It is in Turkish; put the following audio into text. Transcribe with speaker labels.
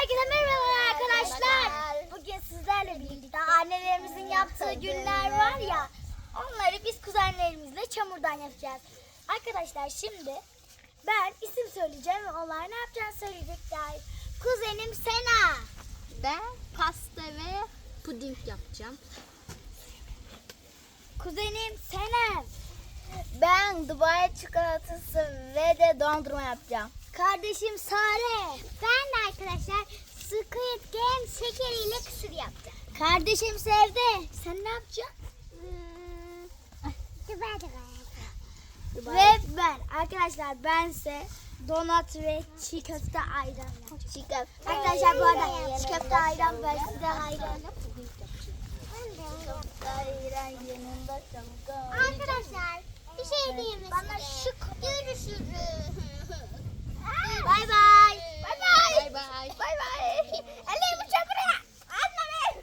Speaker 1: Herkese merhaba arkadaşlar. Bugün sizlerle birlikte annelerimizin yaptığı günler var ya, onları biz kuzenlerimizle çamurdan yapacağız. Arkadaşlar şimdi ben isim söyleyeceğim ve onlar ne yapacağını söyleyecekler. Kuzenim Sena.
Speaker 2: Ben pasta ve puding yapacağım.
Speaker 1: Kuzenim Senem.
Speaker 2: Ben Dubai çikolatası ve de dondurma yapacağım.
Speaker 1: Kardeşim Sare. Ben de arkadaşlar Squid Game şekeriyle kısır yapacağım. Kardeşim Sevde. Sen ne yapacaksın? Ve ben arkadaşlar bense donat ve çiğ köfte ayran yapacağım. Arkadaşlar bu arada çiğ köfte ayran ben size ayran. Arkadaşlar bir şey diyeyim mi? Bana şık görüşürüz. Bay bay. Bay bay.
Speaker 2: Bay bay.